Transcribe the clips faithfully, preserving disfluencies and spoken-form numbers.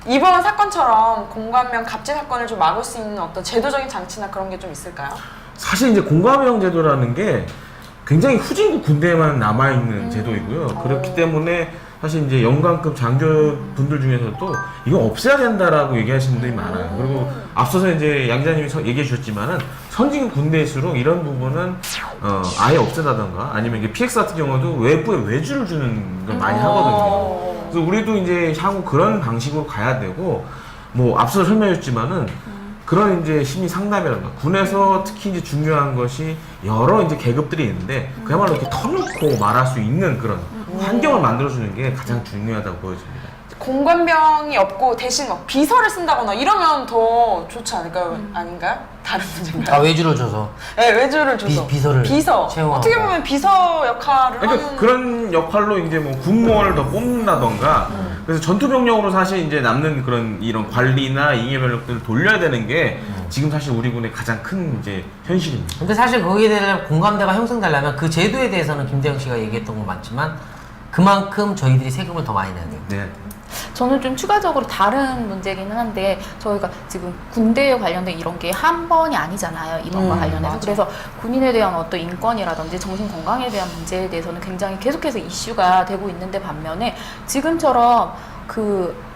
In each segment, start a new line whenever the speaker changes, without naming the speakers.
이번 사건처럼 공관명 갑질 사건을 좀 막을 수 있는 어떤 제도적인 장치나 그런 게 좀 있을까요?
사실 이제 공감형 제도라는 게 굉장히 후진국 군대에만 남아있는
음.
제도이고요.
오.
그렇기 때문에 사실 이제 영관급 장교분들 중에서도 이거 없애야 된다라고 얘기하시는 분들이 많아요. 그리고 앞서서 이제 양 기자님이 서- 얘기해 주셨지만은 선진국 군대일수록 이런 부분은 어, 아예 없애다던가 아니면 이게 피엑스 같은 경우도 외부에 외주를 주는 걸 많이 하거든요.
오.
그래서 우리도 이제 향후 그런 방식으로 가야 되고 뭐 앞서 설명했지만은 그런 이제 심리 상담이라든가 군에서 특히 이제 중요한 것이 여러 이제 계급들이 있는데 그야말로 이렇게 터놓고 말할 수 있는 그런 환경을 만들어주는 게 가장 중요하다고 보여집니다.
공관병이 없고 대신 막 비서를 쓴다거나 이러면 더 좋지 않을까요? 아닌가요? 다른 문제인가요?
아 외주를 줘서
네, 외주를 줘서
비- 비서를
비서
채용하고.
어떻게 보면 비서 역할을
그러니까
하는
그런 역할로 이제 뭐 군무원을 더 뽑는다던가 그래서 전투병력으로 사실 이제 남는 그런 이런 관리나 잉여 병력들을 돌려야 되는 게 지금 사실 우리 군의 가장 큰 이제 현실입니다.
근데 사실 거기에 대한 공감대가 형성되려면 그 제도에 대해서는 김대영 씨가 얘기했던 건 맞지만 그만큼 저희들이 세금을 더 많이 내야 돼요.
네.
저는 좀 추가적으로 다른 문제기는 한데 저희가 지금 군대에 관련된 이런 게 한 번이 아니잖아요. 이번과
음,
관련해서.
맞아.
그래서 군인에 대한 어떤 인권이라든지 정신 건강에 대한 문제에 대해서는 굉장히 계속해서 이슈가 되고 있는데 반면에 지금처럼 그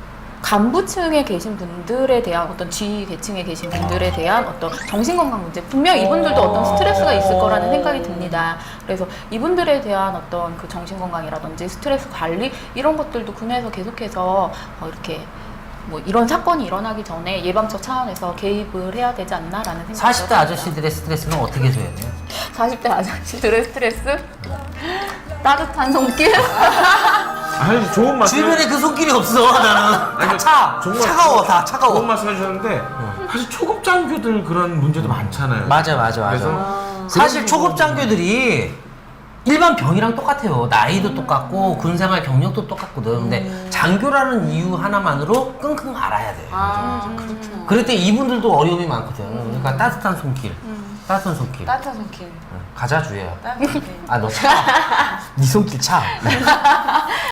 간부층에 계신 분들에 대한 어떤 지휘 계층에 계신 분들에 대한 어떤 정신건강 문제 분명 이분들도 어떤 스트레스가 있을 거라는 생각이 듭니다. 그래서 이분들에 대한 어떤 그 정신건강이라든지 스트레스 관리 이런 것들도 군에서 계속해서 어 이렇게 뭐 이런 사건이 일어나기 전에 예방적 차원에서 개입을 해야 되지 않나라는 생각이
사십 대
들었습니다.
아저씨들의 스트레스는 어떻게 줘야 돼요?
사십 대 아저씨들의 스트레스 따뜻한 손길
아니 좋은 말씀.
주변에 그 손길이 없어 나는.
아니,
차
정말
차가워 다
좋은
차가워.
말씀 해주셨는데 사실 초급 장교들 그런 문제도 많잖아요.
맞아 맞아 맞아.
그래서
사실 초급 장교들이 일반 병이랑 똑같아요. 나이도 똑같고 군생활 경력도 똑같거든. 근데 장교라는 이유 하나만으로 끙끙 앓아야 돼.
아 그렇구나.
그럴 때 이분들도 어려움이 많거든. 그러니까 따뜻한 손길. 따뜻한 손길.
따뜻한 손길.
응. 가자 주혜야.
따뜻한 손길.
아 너 차. 네 손길 차.